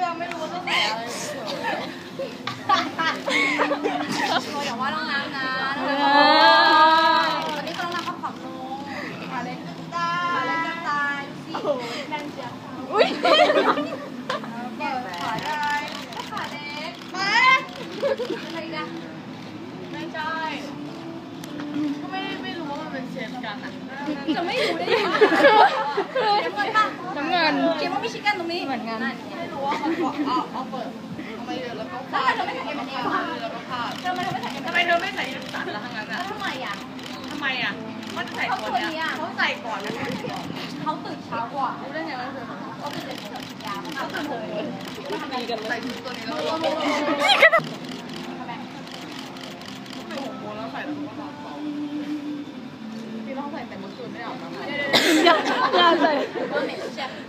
ยังไม่รู้ว่าต้องใส่อะไรเราอย่าว่าน้องน้ำนะตอนนี้ก็น้องน้ำเขาขับลงขาเล็กจะตายสิแน่นเชียวอุ้ยขาได้ขาเล็กมาอะไรกันไม่ใช่ก็ไม่รู้ว่ามันเป็นเชฟกันอ่ะจะไม่รู้ได้ยังไงน้ำเงินคิดว่ามีชิคก้นตรงนี้เหมือนกันไม่รู้ว่ามันเอาเปิดเอามาเยอะแล้วก็พลาดทำไมเธอไม่ใส่เอ็มแล้วก็พลาดทำไมเธอไม่ใส่เอ็มทำไมเธอไม่ใส่น้ำตาลแล้วทั้งนั้นอ่ะทำไมอ่ะเขาจะใส่ตัวเนี้ยเขาใส่ก่อนนะเขาตื่นเช้ากว่ารู้ได้ไงว่าเขาตื่น7 โมงยาเขาตื่นเลยดีกันเลยใส่ตัวนี้แล้ว6 โมงแล้วใส่แล้วก็นอนต่อพี่ต้องใส่แต่เมื่อคืนไม่ได้ออกมาอย่าใส่ว่าเหม็นแซ่บ